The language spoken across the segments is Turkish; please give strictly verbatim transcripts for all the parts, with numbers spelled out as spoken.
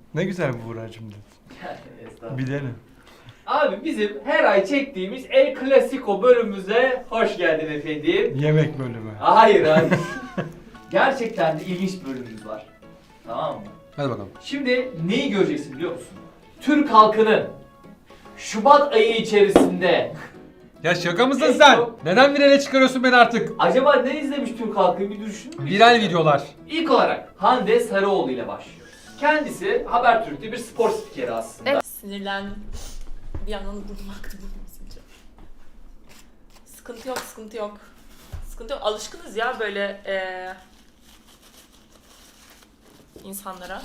Ne güzel bu Buğra'cığım dedi. Estağfurullah. Bilelim. Abi bizim her ay çektiğimiz El Clasico bölümümüze hoş geldin efendim. Yemek bölümü. Hayır hayır. Gerçekten de ilginç bir bölümümüz var. Tamam mı? Hadi bakalım. Şimdi neyi göreceksin biliyor musun? Türk halkının Şubat ayı içerisinde Ya şaka mısın En sen? çok- Neden virale çıkarıyorsun beni artık? acaba ne izlemiş Türk halkı bir düşünün. Viral videolar. İlk olarak Hande Sarıoğlu ile başlıyoruz. Kendisi Habertürk'te bir spor spikeri aslında. Evet. Sinirlendim. Bir yandan burnum aktı, burnum silince. Sıkıntı yok, sıkıntı yok. Sıkıntı yok. Alışkınız ya böyle eee insanlara.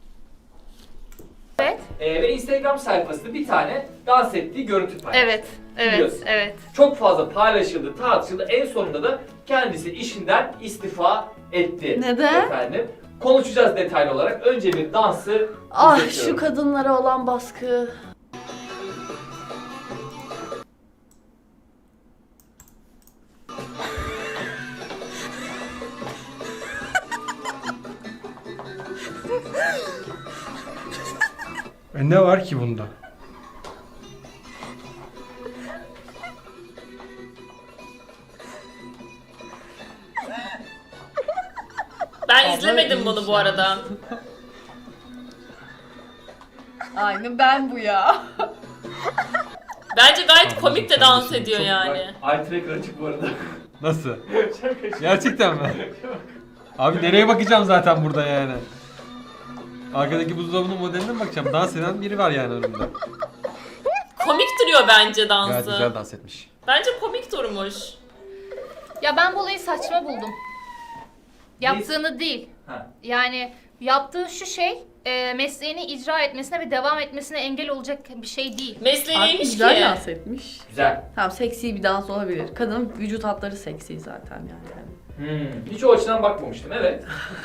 Evet. Ee, ve Instagram sayfasında bir tane dans ettiği görüntü paylaştı. Evet. Evet. Biliyorsun. Evet. Çok fazla paylaşıldı, tartışıldı. En sonunda da kendisi işinden istifa etti. Neden? Efendim. Konuşacağız detaylı olarak. Önce bir dansı Ah izletiyorum. şu kadınlara olan baskı. E ne var ki bunda? Ben izlemedim bunu bu arada. Aynı ben bu ya. Bence gayet Tamam, komik de sen dans de ediyor Çok- yani. Bak, eye tracker açık bu arada. Nasıl? Şaka şaka. Gerçekten mi? Abi nereye bakacağım zaten burada yani? Arkadaki buzdolabının modeline mi bakacağım? Dans eden biri var yani önümde. Komik duruyor bence Gayet güzel dansı. dans etmiş. Bence komik durmuş. Ya ben bu olayı saçma buldum. Yaptığını değil. Ha. Yani yaptığı şu şey e, mesleğini icra etmesine ve devam etmesine engel olacak bir şey değil. Mesleği Abi neymiş güzel ki? dans etmiş. Güzel. Tamam seksi bir dans olabilir. Kadının vücut hatları seksi zaten yani. Hmm. Hiç o açıdan bakmamıştım, evet.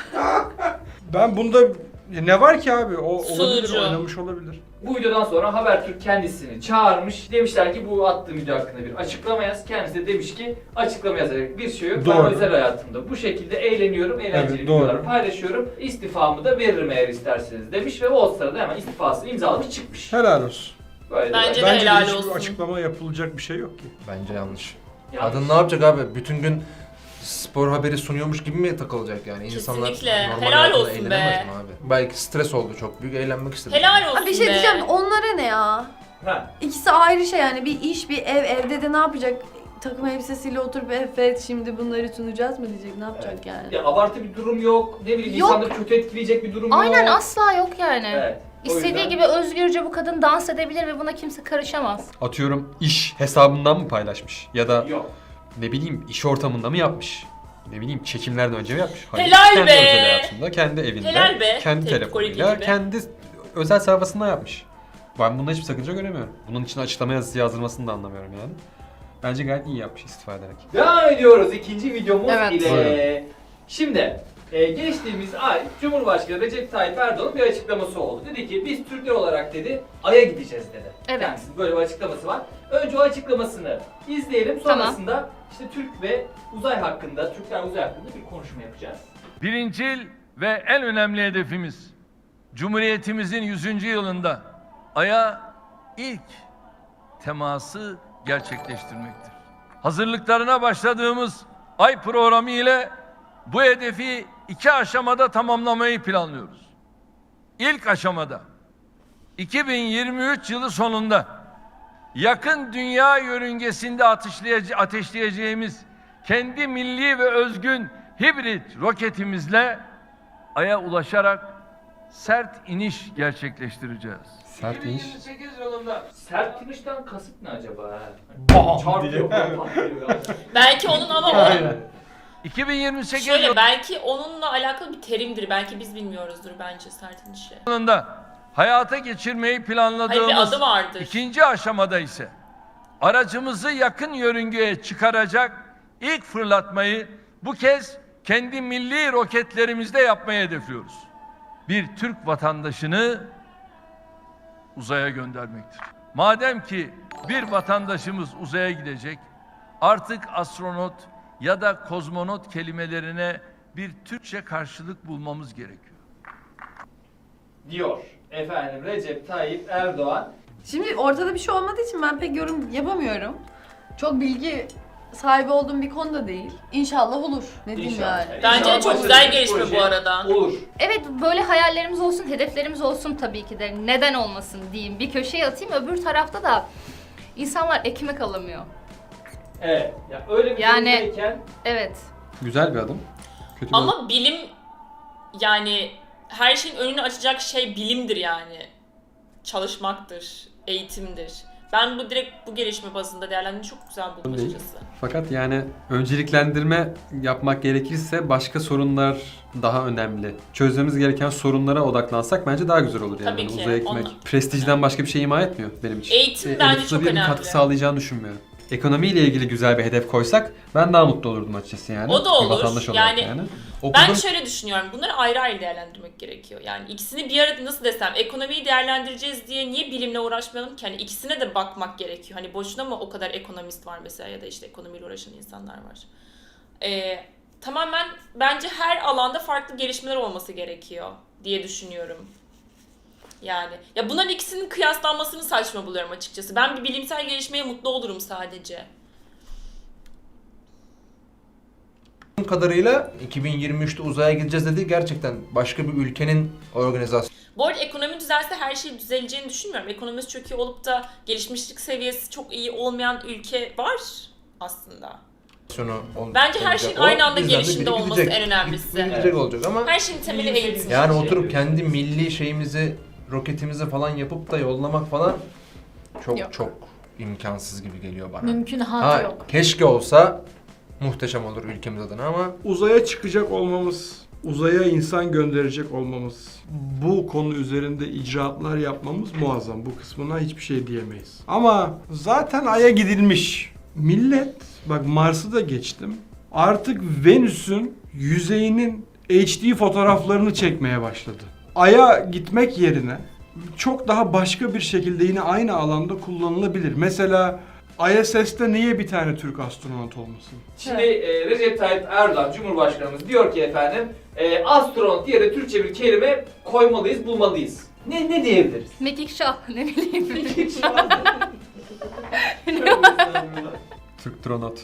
Ben bunda ne var ki abi? O olabilir, Sunucu. oynamış olabilir. Bu videodan sonra Habertürk kendisini çağırmış. Demişler ki bu attığım video hakkında bir açıklama yaz. Kendisi de demiş ki açıklama yazacak bir şey yok. Ben Doğru. özel hayatımda bu şekilde eğleniyorum, eğlenceli Evet, doğru. videolar paylaşıyorum. İstifamı da veririm eğer isterseniz demiş ve o sırada hemen istifasını imzalamış çıkmış. Helal olsun. Böyle de Bence ben- de Bence helal de hiçbir olsun. açıklama yapılacak bir şey yok ki. Bence yanlış. Yanlış. Kadın ne yapacak abi? Bütün gün spor haberi sunuyormuş gibi mi takılacak yani? İnsanlar Kesinlikle. normal Helal hayatında olsun eğlenemez be. mi abi? Belki stres oldu çok büyük, eğlenmek istedi. Helal olsun Abi bir şey be. diyeceğim onlara ne ya? Ha. İkisi ayrı şey yani bir iş bir ev evde de ne yapacak? Takım elbisesiyle oturup evet şimdi bunları sunacağız mı diyecek ne yapacak Evet. yani? Ya abartı bir durum yok. Ne bileyim Yok. insanları kötü etkileyecek bir durum yok. Aynen asla yok yani. Evet. O İstediği yüzden- gibi özgürce bu kadın dans edebilir ve buna kimse karışamaz. Atıyorum iş hesabından mı paylaşmış? Ya da Yok. ne bileyim iş ortamında mı yapmış? Ne bileyim çekimlerden önce mi yapmış? Helal kendi be! özel hayatında, kendi evinde, Helal be! kendi Tepki telefonuyla, Koreli gibi. kendi özel sayfasında yapmış. Ben bunda hiçbir sakınca göremiyorum. Bunun için açıklama yazısı yazdırmasını da anlamıyorum yani. Bence gayet iyi yapmış istifa ederek. Devam ediyoruz ikinci videomuz Evet. ile. Buyurun. Şimdi e, geçtiğimiz ay Cumhurbaşkanı Recep Tayyip Erdoğan'ın bir açıklaması oldu. Dedi ki biz Türkler olarak dedi Ay'a gideceğiz dedi. Evet. Kendisinin böyle bir açıklaması var. Önce o açıklamasını izleyelim. Sonrasında işte Türk ve uzay hakkında, Türkler uzay hakkında bir konuşma yapacağız. Birincil ve en önemli hedefimiz Cumhuriyetimizin yüzüncü yılında Ay'a ilk teması gerçekleştirmektir. Hazırlıklarına başladığımız Ay programı ile bu hedefi iki aşamada tamamlamayı planlıyoruz. İlk aşamada iki bin yirmi üç yılı sonunda yakın dünya yörüngesinde ateşleyece- ateşleyeceğimiz kendi milli ve özgün hibrit roketimizle Ay'a ulaşarak sert iniş gerçekleştireceğiz. Sert iniş. iki bin yirmi sekiz yılında sert inişten kasıt ne acaba? Bam Çarpıyor, diye. patlıyor ya. Belki onun ama o... Aynen. iki bin yirmi sekiz Şöyle belki onunla alakalı bir terimdir. Belki biz bilmiyoruzdur bence sert inişi. yılında hayata geçirmeyi Hayır bir planladığımız adı vardır. ikinci aşamada ise aracımızı yakın yörüngeye çıkaracak ilk fırlatmayı bu kez kendi milli roketlerimizde yapmayı hedefliyoruz. Bir Türk vatandaşını uzaya göndermektir. Madem ki bir vatandaşımız uzaya gidecek, artık astronot ya da kozmonot kelimelerine bir Türkçe karşılık bulmamız gerekiyor. Diyor. efendim Recep Tayyip Erdoğan. Şimdi ortada bir şey olmadığı için ben pek yorum yapamıyorum. Çok bilgi sahibi olduğum bir konuda değil. İnşallah olur. Ne diyeyim İnşallah. yani. Bence de İnşallah çok başarılı güzel bir gelişme proje bu arada. Olur. Evet, böyle hayallerimiz olsun, hedeflerimiz olsun tabii ki de. Neden olmasın diyeyim. Bir köşeye atayım, öbür tarafta da insanlar ekmek alamıyor. Evet. Ya öyle bir Yani- durumdayken Evet. Güzel bir adım. Kötü bir adım. Ama bilim yani her şeyin önünü açacak şey bilimdir yani. Çalışmaktır, eğitimdir. Ben bu direkt bu gelişme bazında değerlendirmeyi çok güzel buldum Değil. açıkçası. Fakat yani önceliklendirme yapmak gerekirse başka sorunlar daha önemli. Çözmemiz gereken sorunlara odaklansak bence daha güzel olur yani. Tabii Yani ki, uzaya gitmek onunla- prestijden başka bir şey ima etmiyor benim için. Eğitim Ee, bence Elif çok Su'ya bir önemli. katkı sağlayacağını düşünmüyorum. Ekonomiyle ilgili güzel bir hedef koysak ben daha mutlu olurdum açıkçası yani. O da Bir olur. vatandaş olarak Yani Okudum. Ben şöyle düşünüyorum, bunları ayrı ayrı değerlendirmek gerekiyor. Yani ikisini bir arada nasıl desem, ekonomiyi değerlendireceğiz diye niye bilimle uğraşmayalım ki? Hani ikisine de bakmak gerekiyor. Hani boşuna mı o kadar ekonomist var mesela ya da işte ekonomiyle uğraşan insanlar var. Ee, tamamen bence her alanda farklı gelişmeler olması gerekiyor diye düşünüyorum. Yani ya bunların ikisinin kıyaslanmasını saçma buluyorum açıkçası. Ben bir bilimsel gelişmeye mutlu olurum sadece. kadarıyla iki bin yirmi üçte uzaya gideceğiz dedi. Gerçekten başka bir ülkenin organizasyonu Bu arada ekonomi düzelse her şey düzeleceğini düşünmüyorum. Ekonomisi çok iyi olup da gelişmişlik seviyesi çok iyi olmayan ülke var aslında. ol- Bence her olacak. şeyin O aynı anda bizden de gelişimde biri olması gidecek. en önemlisi. Gidecek Evet. olacak ama Her şeyin temeli İyi bir eğitim. yani Şey oturup yapıyoruz. kendi milli şeyimizi, roketimizi falan yapıp da yollamak falan çok Yok. çok imkansız gibi geliyor bana. Mümkünatı Ha, yok. keşke olsa muhteşem olur ülkemiz adına ama Uzaya çıkacak olmamız, uzaya insan gönderecek olmamız, bu konu üzerinde icraatlar yapmamız muazzam. Bu kısmına hiçbir şey diyemeyiz. Ama zaten Ay'a gidilmiş. Millet, bak Mars'ı da geçtim. Artık Venüs'ün yüzeyinin H D fotoğraflarını çekmeye başladı. Ay'a gitmek yerine çok daha başka bir şekilde yine aynı alanda kullanılabilir. Mesela I S S'te niye bir tane Türk astronot olmasın? Şimdi e, Recep Tayyip Erdoğan Cumhurbaşkanımız diyor ki efendim e, astronot diye de Türkçe bir kelime koymalıyız, bulmalıyız. Ne ne diyebiliriz? Mekikşah, ne bileyim. Türk Tronot.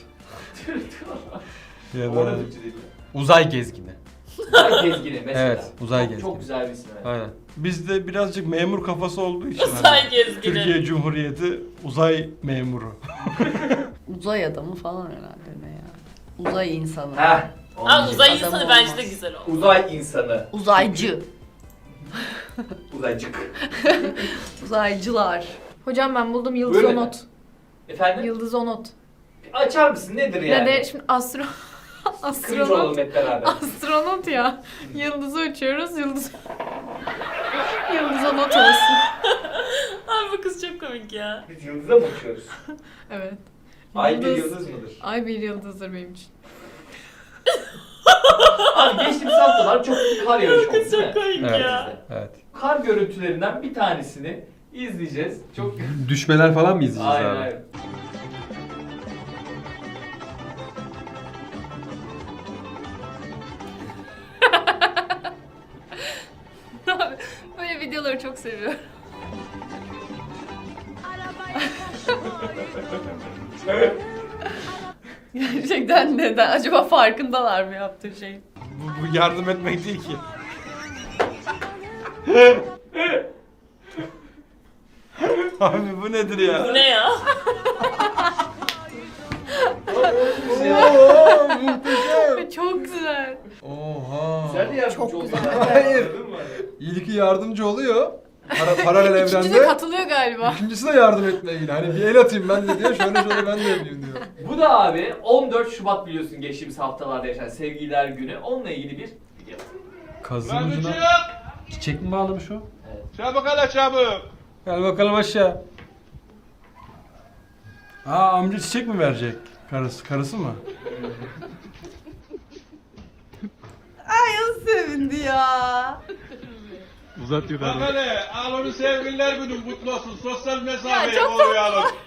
Ya Orada da Türkçe değil mi? uzay gezgini. Uzay gezgini mesela. Evet, uzay çok, gezgini. Çok güzel bir isim. Evet. Aynen. Bizde birazcık memur kafası olduğu için hani Uzay gezgini. Türkiye Cumhuriyeti uzay memuru. Uzay adamı falan herhalde ne ya. Uzay insanı. Heh. Aa, uzay Adam insanı olmaz. bence de güzel oldu. Uzay insanı. Uzaycı. Uzaycık. Uzaycılar. Hocam ben buldum Yıldız Buyurun Onot. Efendim? Yıldız Onot. Açar mısın? Nedir yani? Ne de şimdi astro Cringe olalım astronot hep beraber. astronot ya. Yıldızı uçuyoruz. Yıldız Yıldız Onot olsun. Abi bu kız çok komik ya. Biz yıldıza mı uçuyoruz? Evet. Ay bir Yıldız- yıldız mıdır? Ay bir yıldızdır benim için. Abi geçtiğimiz haftalar çok kar yağışı oldu Kız değil mi? çok komik Evet. ya. Evet. Kar görüntülerinden bir tanesini izleyeceğiz. Çok Düşmeler falan mı izleyeceğiz aynen abi? aynen. Böyle videoları çok seviyorum. Gerçekten neden? Acaba farkındalar mı yaptığı şey? Bu, bu yardım etmek değil ki. Abi bu nedir ya? Bu ne ya? Çok güzel. Oha. Güzel yardımcı Çok oldu. güzel. Hayır. Anladın mı? İyi ki yardımcı oluyor. Para, paralel İkinci de evrende. katılıyor galiba. İkincisi de yardım etmeye ilgili. Hani bir el atayım ben de diyor. Şöyle şöyle ben de yapayım diyor. Bu da abi on dört Şubat biliyorsun geçtiğimiz haftalarda yaşanan Sevgililer Günü. Onunla ilgili bir video. Kazın ucuna çiçek mi bağlamış o? Çabuk hele çabuk. Gel bakalım aşağı. Aa amca çiçek mi verecek? Karısı, karısı mı? Ay o sevindi ya. Bak hele al onu sevgililer günün kutlu olsun. Sosyal mesafeyi çok koruyalım. Ya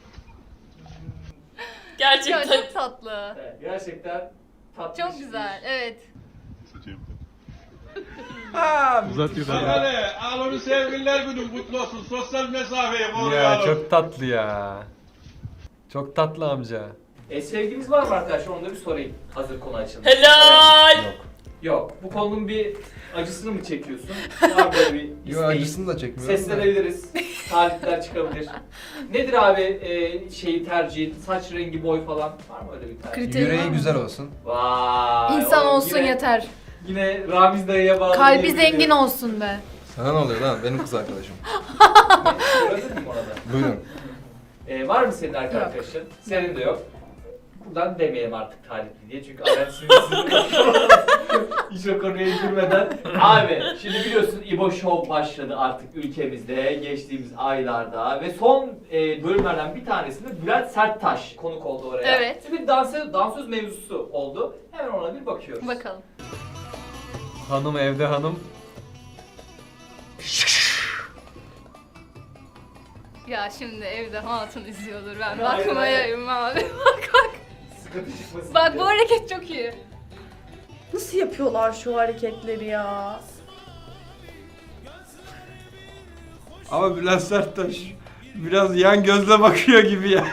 Gerçekten. çok tatlı. Evet, gerçekten tatlı. Çok güzel, evet. Bak hele, al onu sevgililer günün kutlu olsun. Sosyal mesafeyi Ya koruyalım. çok tatlı ya. Çok tatlı amca. E, sevginiz var mı arkadaşlar? Onu da bir sorayım. Hazır konu açıldı. Helal. Yok. Yok. Bu konunun bir acısını mı çekiyorsun? Var böyle bir Yo isteğin. acısını da çekmiyorum. da. Seslenebiliriz. Talipler çıkabilir. Nedir abi e, şeyi tercihin? Saç rengi, boy falan var mı öyle bir tercih? Kriterim var Yüreği mı? güzel olsun. Vay. İnsan oğlum olsun yine, yeter. Yine Ramiz dayıya bağlı. Kalbi diyebilirim. zengin olsun be. Sana ne oluyor lan? Benim kız arkadaşım. Gördün mü orada? Buyurun. E, var mı senin erkek Yok. arkadaşın? Senin de yok. Buradan demeyelim artık talipli diye çünkü Aren sinirli. Hiç o konuya girmeden. Abi şimdi biliyorsun İbo Show başladı artık ülkemizde geçtiğimiz aylarda ve son e, bölümlerden bir tanesinde Bülent Serttaş konuk oldu oraya. Evet. Bir dansöz, dansöz mevzusu oldu. Hemen ona bir bakıyoruz. Bakalım. Hanım evde hanım. Ya şimdi evde hatun izliyordur, ben Hayır, hayır. bakmayayım abi. Bak bak. Sıkıntı çıkmasın Bak diye. bu hareket çok iyi. Nasıl yapıyorlar şu hareketleri ya? Ama Bülent Serttaş biraz yan gözle bakıyor gibi ya.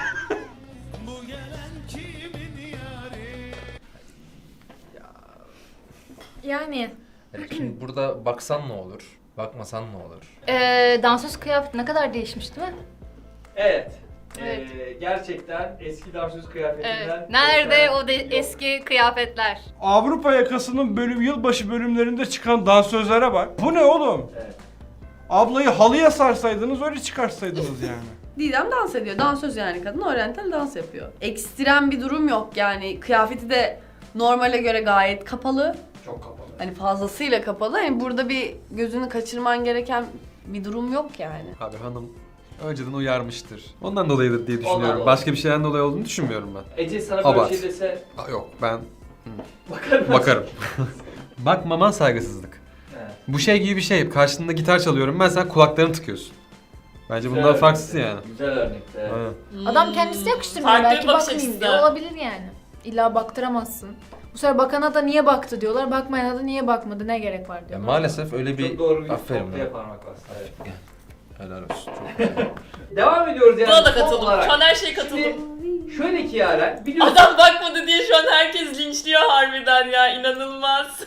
Yani Yani şimdi burada baksan ne olur? Bakmasan ne olur? Ee, dansöz kıyafet ne kadar değişmiş değil mi? Evet. Evet. Ee, gerçekten eski dansöz kıyafetinden... Evet. Nerede o de- eski kıyafetler? Avrupa Yakası'nın bölüm yılbaşı bölümlerinde çıkan dansözlere bak. Bu ne oğlum? Evet. Ablayı halıya sarsaydınız öyle çıkarsaydınız yani. Didem dans ediyor. Dansöz yani kadın. Oryantal dans yapıyor. Ekstrem bir durum yok yani. Kıyafeti de normale göre gayet kapalı. Çok kapalı. Hani fazlasıyla kapalı. Hani burada bir gözünü kaçırman gereken bir durum yok yani. Abi hanım önceden uyarmıştır. Ondan dolayıdır diye Ondan düşünüyorum. dolayı. Başka bir şeyden dolayı olduğunu düşünmüyorum ben. Ece sana böyle Abart. bir şey dese Aa, yok ben bakar mısın? bakarım. Bakmaman saygısızlık. Evet. Bu şey gibi bir şey. Karşında gitar çalıyorum ben, sen kulaklarını tıkıyorsun. Bence Güzel bundan örnek. farksız yani. Güzel örnekti. Evet. Aynen. adam kendisi yakıştırmıyor, Farklı bir belki bakış bakmayayım açısı. diye olabilir yani. İlla baktıramazsın. Bu sefer bakana da niye baktı diyorlar, bakmayana da niye bakmadı, ne gerek var Ya diyorlar. maalesef öyle bir... Çok doğru bir Aferin noktaya ya. parmak bastı. Evet. Helal olsun. Çok güzel. Devam ediyoruz yani. Buna da son katıldım. olarak. Şu an her şeye katıldım. Şimdi şöyle ki Yaren biliyorsun. Adam bakmadı diye şu an herkes linçliyor harbiden ya. İnanılmaz.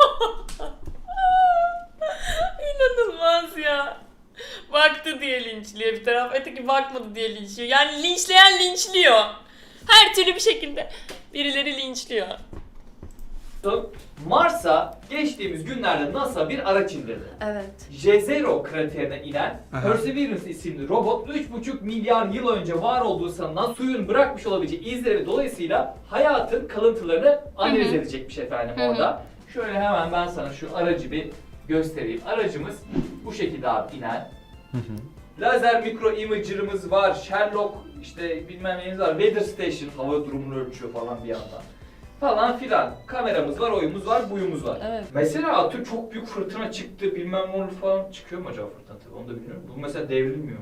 İnanılmaz ya. Baktı diye linçliyor bir taraf, öteki bakmadı diye linçliyor. Yani linçleyen linçliyor. Her türlü bir şekilde birileri linçliyor. Mars'a geçtiğimiz günlerde NASA bir araç indirdi. Evet. Jezero kraterine inen Aha. Perseverance isimli robot üç buçuk milyar yıl önce var olduğu sanılan suyun bırakmış olabileceği izleri dolayısıyla hayatın kalıntılarını analiz Hı hı. edecekmiş efendim Hı hı. orada. Şöyle hemen ben sana şu aracı bir göstereyim. Aracımız bu şekilde abi inen. Lazer mikro imager'ımız var. Sherlock işte bilmem neyimiz var. Weather Station hava durumunu ölçüyor falan bir yandan. Falan filan. Kameramız var, oyumuz var, buyumuz var. Evet. Mesela atıyorum çok büyük fırtına çıktı bilmem ne olur falan çıkıyor mu acaba fırtına tabii onu da bilmiyorum. Bu mesela devrilmiyor mu?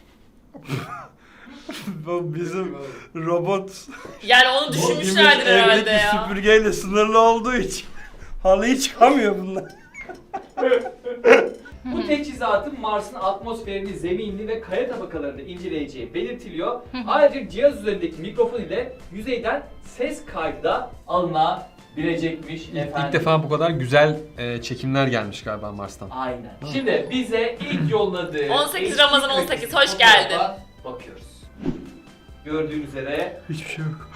Bu bizim robot Yani onu düşünmüşlerdir evdeki herhalde ya. süpürgeyle sınırlı olduğu için halıya çıkamıyor bunlar. Bu teçhizatın Mars'ın atmosferini, zeminini ve kaya tabakalarını inceleyeceği belirtiliyor. Ayrıca cihaz üzerindeki mikrofon ile yüzeyden ses kaydı da alınabilecekmiş İlk, efendim. ilk defa bu kadar güzel e, çekimler gelmiş galiba Mars'tan. Aynen. Şimdi bize ilk yolladığı on sekiz eski Ramazan on sekiz, hoş fotoğrafa geldin. Bakıyoruz. Gördüğünüz üzere Hiçbir şey yok.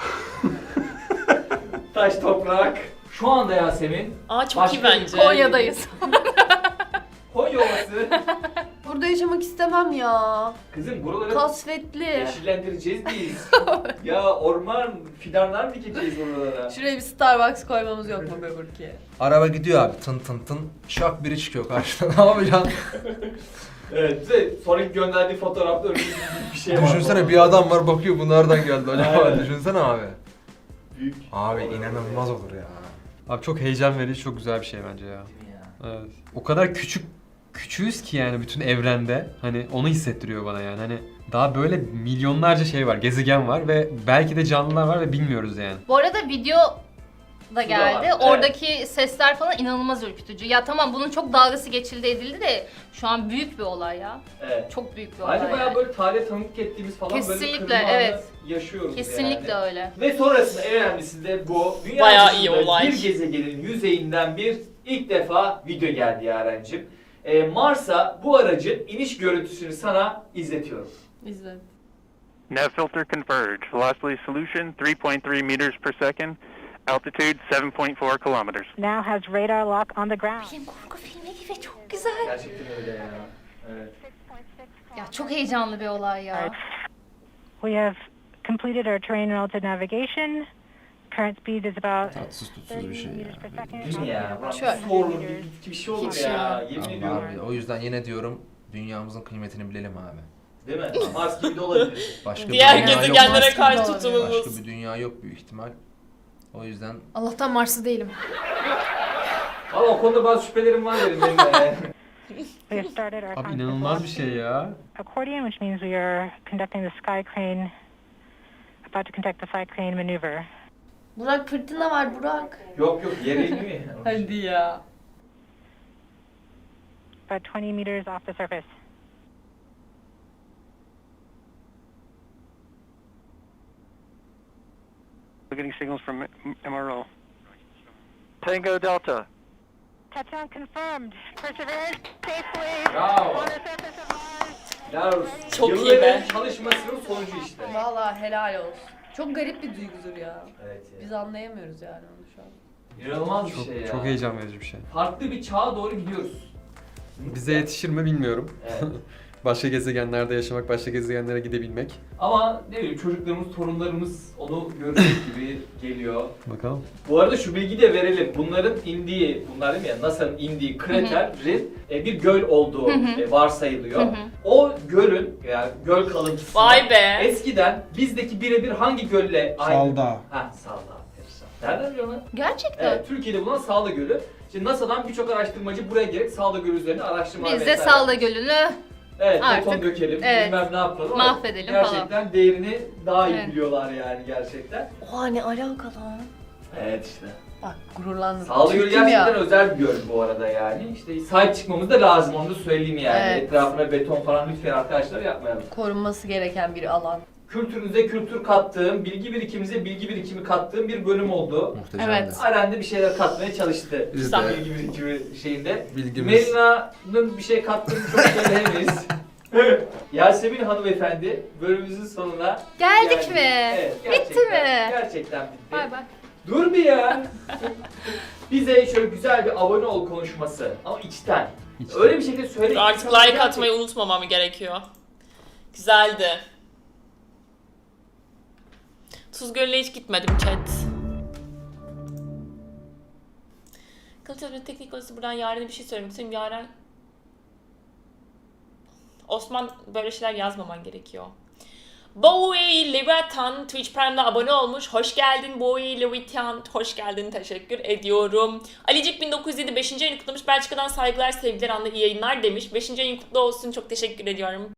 taş toprak. Şu anda Yasemin Aa çok Başka iyi bir bence. Konya'dayız. Konya Ovası. Burada yaşamak istemem ya. Kızım buraları Kasvetli. yeşillendireceğiz biz. Ya orman, fidanlar dikeceğiz oralara. Şuraya bir Starbucks koymamız yok mu be Burki? Araba gidiyor abi tın tın tın. Şak biri çıkıyor karşıdan. Ne yapacaksın? Evet, bize sonraki gönderdiği fotoğrafta öyle bir şey var. Düşünsene bir adam var bakıyor bu nereden geldi acaba? Aynen. Düşünsene abi. Büyük. Abi inanılmaz olur ya. Abi çok heyecan verici, çok güzel bir şey bence ya. Evet. O kadar küçük küçüğüz ki yani bütün evrende. Hani onu hissettiriyor bana yani. Hani daha böyle milyonlarca şey var, gezegen var ve belki de canlılar var ve bilmiyoruz yani. Bu arada video da geldi. Evet. Oradaki sesler falan inanılmaz ürkütücü. Ya tamam bunun çok dalgası geçildi edildi de şu an büyük bir olay ya. Evet. Çok büyük bir olay Ayrıca bayağı yani. böyle tarihe tanıklık ettiğimiz falan böyle bir Kesinlikle, kırılma anı evet. yaşıyoruz Kesinlikle yani. öyle. Ve sonrasında en önemlisi de bu. Dünya Bayağı iyi dışında olay. bir gezegenin yüzeyinden bir ilk defa video geldi Yaren'cim. Ee, Mars'a bu aracın iniş görüntüsünü sana izletiyorum. İzle. Nav filter converge. Velocity solution three point three meters per second. Altitude seven point four kilometers. Now has radar lock on the ground. Film korku filmi gibi çok güzel. Gerçekten öyle ya. Evet. Ya çok heyecanlı bir olay ya. We have completed our terrain relative navigation. Current speed is about Tatsız tutsuz thirty bir şey meters ya. per second. Değil mi ya? Ulan Şöyle. bir sorulur, bir, bir şey olur Hiç ya. ya. Yemin Allah ediyorum. abi, o yüzden yine diyorum dünyamızın kıymetini bilelim abi. Değil mi? Mars gibi de olabilir. Başka Diğer bir dünya yok. gezegenlere Mars karşı gibi tutumumuz. Başka bir dünya yok büyük ihtimal. O yüzden Allah'tan Mars'ı değilim. Ama o konuda bazı şüphelerim var benim. benim de. We have started our Abi constant inanılmaz bir şey velocity ya. accordion, which means we are conducting the sky crane, about to conduct the sky crane maneuver. Burak fırtına var Burak. Yok yok yere iniyor ya. Hadi ya. About twenty meters off the surface. We're getting signals from M R O. Tango Delta. Touchdown confirmed. Perseverance safely Bravo. on the surface of Mars. Helal olsun. Çok iyi Yılların be. çalışmasının sonucu işte. Vallahi helal olsun. Çok garip bir duygudur ya. Evet ya. Biz anlayamıyoruz yani onu şu an. İnanılmaz bir Çok, şey ya. çok heyecan verici bir şey. Farklı bir çağa doğru gidiyoruz. Bize yetişir mi bilmiyorum. Evet. Başka gezegenlerde yaşamak, başka gezegenlere gidebilmek. Ama ne bileyim çocuklarımız, torunlarımız onu görecek gibi geliyor. Bakalım. Bu arada şu bilgi de verelim. Bunların indiği, bunlar değil mi ya NASA'nın indiği kraterin e, bir göl olduğu Hı hı. e, varsayılıyor. Hı hı. O gölün yani göl kalıntısı Vay be. eskiden bizdeki birebir hangi gölle aynı? Salda. Ha Salda. Nereden biliyorsun lan? Gerçekten. Evet, Türkiye'de bulunan Salda Gölü. Şimdi NASA'dan birçok araştırmacı buraya gelip Salda Gölü üzerine araştırmalar Biz de vesaire. Salda Gölü'nü Evet, Artık, beton dökelim, evet, bilmem ne yapalım. ama mahvedelim gerçekten falan. değerini daha iyi Evet. biliyorlar yani gerçekten. Oha ne alaka lan. Evet işte. Bak gururlandım. Salda Gölü Türk'üm gerçekten ya. özel bir göl bu arada yani. İşte sahip çıkmamız da lazım, onu da söyleyeyim yani. Evet. Etrafına beton falan lütfen arkadaşlar yapmayalım. Korunması gereken bir alan. Kültürünüze kültür kattığım, bilgi birikimimize bilgi birikimi kattığım bir bölüm oldu. muhteşemdi. Evet. Aren de bir şeyler katmaya çalıştı. Biz Tam de bilgi birikimi şeyinde. bilgimiz Melina'nın bir şey kattığını çok söyleyemeyiz. Yasemin hanımefendi bölümümüzün sonuna geldik geldik. mi? Evet, Bitti gerçekten, mi? Gerçekten bitti. Bay bay. Dur bir ya. Bize şöyle güzel bir abone ol konuşması ama içten. Hiç Öyle bir şekilde söyle. ki Artık insanlar like gerçekten- atmayı unutmamam gerekiyor. Güzeldi. Tuz Gölü'ne hiç gitmedim chat. Kılıçdaroğlu teknik odası buradan Yaren'e bir şey söylemek istiyorum. Yaren... Osman böyle şeyler yazmaman gerekiyor. Bowie Leviathan Twitch Prime'da abone olmuş. Hoş geldin Bowie Leviathan. Hoş geldin. Teşekkür ediyorum. Alicik bin dokuz yüz yedi beşinci ayını kutlamış. Belçika'dan saygılar, sevgiler, anla iyi yayınlar demiş. beşinci ayın kutlu olsun. Çok teşekkür ediyorum.